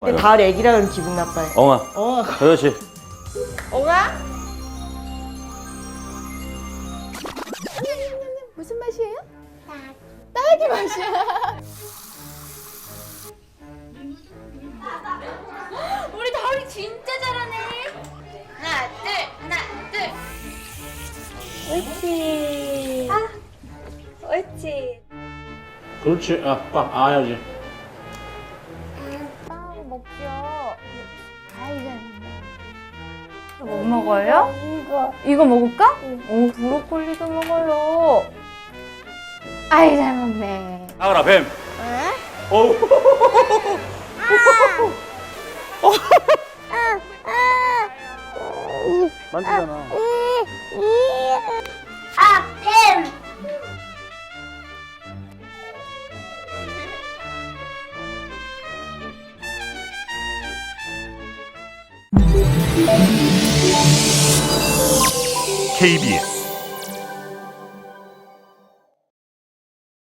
가을 애기라 그러면 기분 나빠요. 엉아. 그렇지. 엉아? 무슨 맛이에요? 딸기 맛이야. 우리 다리 진짜 잘하네. 하나, 둘. 옳지. 옳지. 그렇지. 꽉 아야지. 빵 먹죠. 아이고. 뭐 먹어요? 이거 먹을까? 오, 브로콜리도 먹어요. 아이, 잘 먹네. 아가라 뱀. 어우. 만지잖아. 뱀! KBS